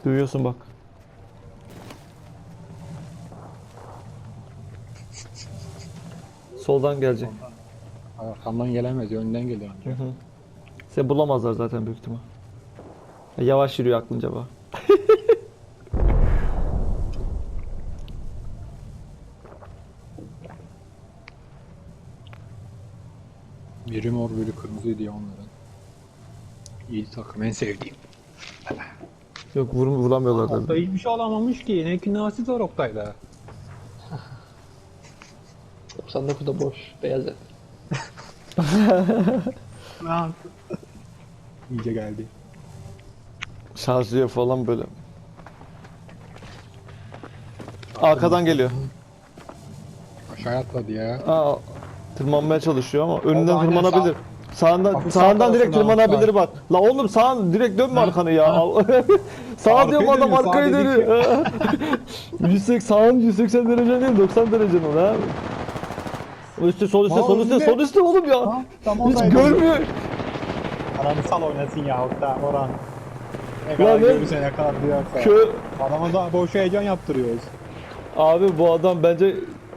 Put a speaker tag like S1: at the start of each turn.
S1: Duyuyorsun bak. Soldan gelecek.
S2: Arkamdan gelemez, önden geliyor
S1: Hı
S2: anca.
S1: hı. Seni bulamazlar zaten büyük ihtimal. Yavaş yürüyor aklınca bak.
S2: Biri mor, biri kırmızıydı ya onların. İyi takım, en sevdiğim.
S1: Yok vuramıyorlar
S2: Oktay
S1: dedim.
S2: hiçbir şey alamamış ki. Ne kinasi var Oktay'da.
S3: 99'da boş. Beyaz et.
S2: İyice geldi.
S1: Şarjlıyor falan böyle. Arkadan geliyor.
S2: Aşağıya atladı ya.
S1: Aa, tırmanmaya çalışıyor ama önünden
S2: aynen,
S1: tırmanabilir. Sağından
S2: Hafif
S1: sağından
S2: sağ
S1: direkt
S2: tarafından
S1: tırmanabilir
S2: Oktay.
S1: bak. La oğlum sağ direkt dönme
S2: Ha,
S1: arkanı ya.
S2: ha.
S1: Sağa
S2: Arkaya
S1: diyorum adam
S2: dönüyor,
S1: arkaya
S2: sağ dedik
S1: dönüyor. 180 sağın 180 derece değil 90 derece mi lan? Üstte sol üstte
S2: Aa,
S1: sol üstte
S2: önünde.
S1: sol üstte oğlum ya.
S2: Ha, tam
S1: Hiç
S2: oradaydı.
S1: görmüyor.
S2: Aranı sal oynasın ya Oktay Orhan. Ne
S1: Lan
S2: kadar
S1: ne-
S2: görürse ne kadar duyarsa.
S1: Kö
S2: Adama da boş heyecan yaptırıyoruz.
S1: Abi bu adam bence